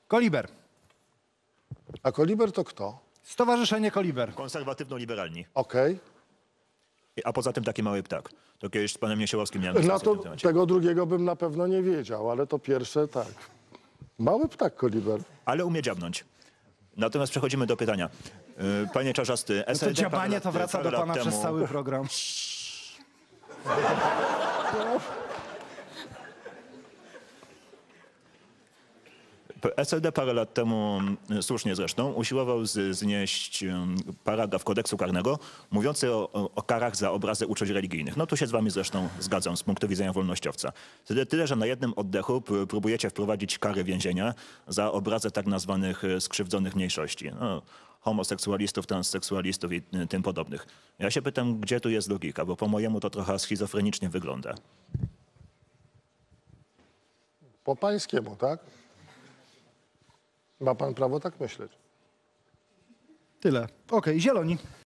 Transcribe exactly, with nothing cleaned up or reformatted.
Koliber. A Koliber to kto? Stowarzyszenie Koliber. Konserwatywno-liberalni. Okej. A poza tym taki mały ptak. To kiedyś z panem Niesiełowskim miałem Na dyskusję to w tym temacie. tego drugiego bym na pewno nie wiedział, ale to pierwsze tak. Mały ptak Koliber. Ale umie dziabnąć. Natomiast przechodzimy do pytania. Yy, Panie Czarzasty, No to S L D parę dziabanie lat- to wraca parę do lat pana przez temu- cały program. S L D parę lat temu, y, słusznie zresztą, usiłował z, znieść y, paragraf kodeksu karnego mówiący o, o, o karach za obrazy uczuć religijnych. No tu się z wami zresztą zgadzam z punktu widzenia wolnościowca. Tyle, tyle że na jednym oddechu p- próbujecie wprowadzić kary więzienia za obrazy tak nazwanych y, skrzywdzonych mniejszości. No, homoseksualistów, transseksualistów i y, tym podobnych. Ja się pytam, gdzie tu jest logika, bo po mojemu to trochę schizofrenicznie wygląda. Po pańskiemu, tak? Ma pan prawo tak myśleć. Tyle. Okej, zieloni.